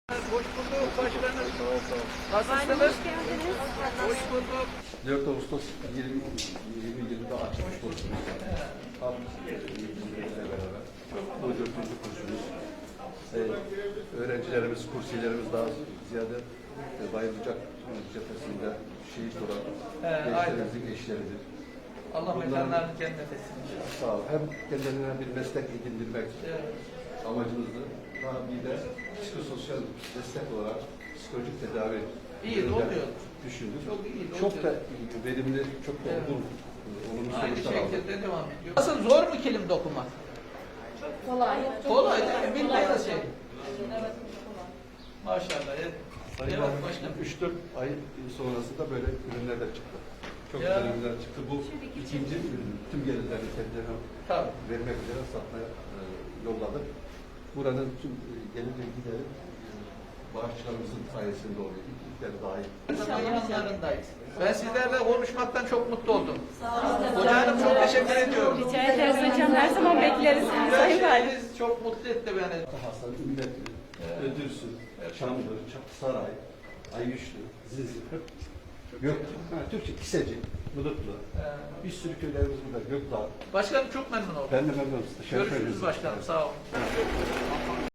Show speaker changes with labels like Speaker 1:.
Speaker 1: Hoş bulduk başkanım.
Speaker 2: Başkanım
Speaker 1: Nasılsınız?
Speaker 2: hoş geldiniz.
Speaker 1: Hoş bulduk.
Speaker 3: 4 Ağustos 2020'de açmış kursumuz. Tam bizimle beraber. Bu 4. kursumuz. Öğrencilerimiz, kursiyelerimiz daha ziyade Bayılacak cephesinde şehit olan gençlerimizin eşleridir.
Speaker 1: Allah mekanlarını cennet etsin.
Speaker 3: Sağ ol. Hem kendilerine bir meslek edindirmek amacımızdı. Daha bir de psikososyal destek olarak psikolojik tedavi
Speaker 1: İyi de oluyor.
Speaker 3: düşündük.
Speaker 1: Çok iyi de
Speaker 3: Çok da
Speaker 1: oluyor.
Speaker 3: verimli, çok da olgun, olumlu
Speaker 1: Aynı
Speaker 3: sonuçlar aldık.
Speaker 1: şekilde devam ediyor. Nasıl zor mu kilim dokumak?
Speaker 2: Kolay.
Speaker 1: Kolay değil mi? Bildiğiniz şey.
Speaker 2: Evet, kolay.
Speaker 1: Maşallah. Evet başkanım.
Speaker 3: 3-4 ay sonrasında böyle ürünler de çıktı. Çok
Speaker 1: Ya.
Speaker 3: güzel ürünler çıktı. Bu ikinci ürün. Tüm gelirlerini kendilerine
Speaker 1: Tabii.
Speaker 3: vermek üzere satmaya yolladık. Buranın tüm gelir gideri bağışçılarımızın sayesinde oluyor. İlkler dahil.
Speaker 1: Yanlarındayız. Ben sizlerle konuşmaktan çok mutlu oldum. Hocam çok teşekkür ediyorum.
Speaker 2: Rica ederiz hocam. Her zaman bekleriz. Sayın Valim.
Speaker 1: Şeyiniz çok mutlu etti beni.
Speaker 3: Hasan, Ümmetli, Ödürsün, Çamdır, Saray, Ayyüşlü, Zizli, Türkçe, Kiseci, Mılıklı. Bir sürü köylerimiz burada. Gökdağ.
Speaker 1: Başkanım çok memnun oldum.
Speaker 3: Ben de memnunum. Teşekkür
Speaker 1: Görüşürüz
Speaker 3: ederim.
Speaker 1: başkanım. Sağ olun.